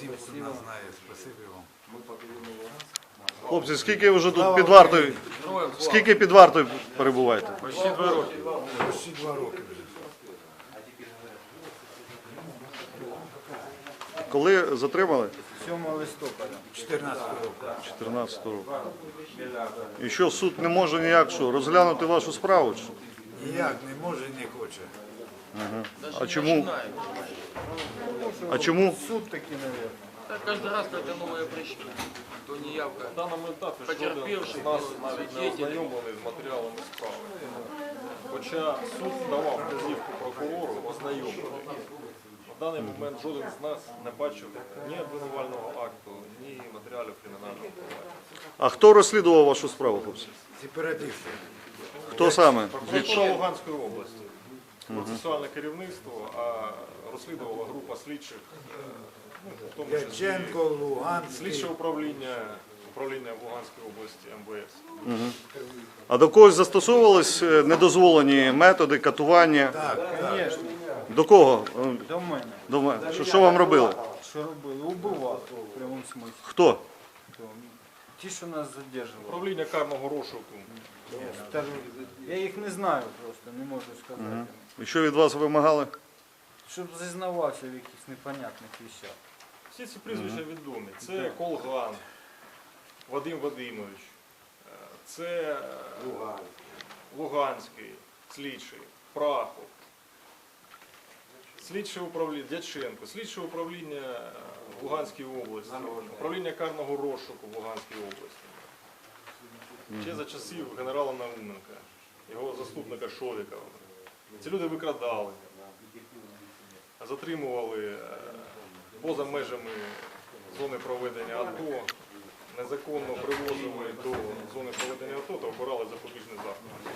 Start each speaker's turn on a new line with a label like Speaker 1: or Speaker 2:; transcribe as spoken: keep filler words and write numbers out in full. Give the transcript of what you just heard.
Speaker 1: Спасибо, нас знає, спасибо вам.
Speaker 2: Хлопці, скільки ви вже тут під вартою? Скільки під вартою перебуваєте?
Speaker 1: Почти два роки. Почти два роки вже.
Speaker 2: Коли затримали?
Speaker 3: сьомого листопада.
Speaker 1: чотирнадцятого року.
Speaker 2: чотирнадцятого року. І що, суд не може ніяк що, розглянути вашу справу? Чи?
Speaker 1: Ніяк не може і не хоче.
Speaker 2: А чому? А чому?
Speaker 3: Суд таки, наверное.
Speaker 4: Так каждый раз, когда новые пришли, то неявка.
Speaker 5: На даному етапі
Speaker 4: Потерпівши,
Speaker 5: жоден з нас
Speaker 4: ну,
Speaker 5: навіть не
Speaker 4: свідетель.
Speaker 5: ознайомлений з матеріалами справи. Хоча суд давав вказівку прокурору ознайомлений. На даний момент жоден з нас не бачив ні обвинувального акту, ні матеріалів кримінального провадження.
Speaker 2: А хто розслідував вашу справу, хлопці?
Speaker 1: Сепаратисти.
Speaker 2: Хто саме?
Speaker 5: Прокуратура Луганської області. Процесуальне керівництво, а розслідувала група слідчих, е, ну, в тому числі
Speaker 1: Яченко, Луганський.
Speaker 5: слідче управління, управління в Луганській області ем ве ес.
Speaker 2: А до когось застосовувались е, недозволені методи катування?
Speaker 1: Так, так.
Speaker 3: Звісно,
Speaker 2: До кого? Е,
Speaker 3: до мене.
Speaker 2: До мене. Що, що вам робили?
Speaker 3: Що робили? Убивали в прямому смислі.
Speaker 2: Хто?
Speaker 3: Ті, що нас задержували.
Speaker 5: Управління карного розшуку.
Speaker 3: Скажу, я їх не знаю просто, не можу сказати.
Speaker 2: І що від вас вимагали?
Speaker 3: Щоб зізнавався в якихось непонятних вещах.
Speaker 5: Всі ці прізвища відомі. Це Колган, Вадим Вадимович, е, це е, Луганський, слідчий, Прахов, слідче управління Дяченко, слідче управління е, в Луганській області, управління карного розшуку в Луганській області. Ще за часів генерала Науменка, його заступника Шовікова. Ці люди викрадали, затримували е, поза межами зони проведення АТО, незаконно привозили до зони проведення АТО та обирали запобіжний захід.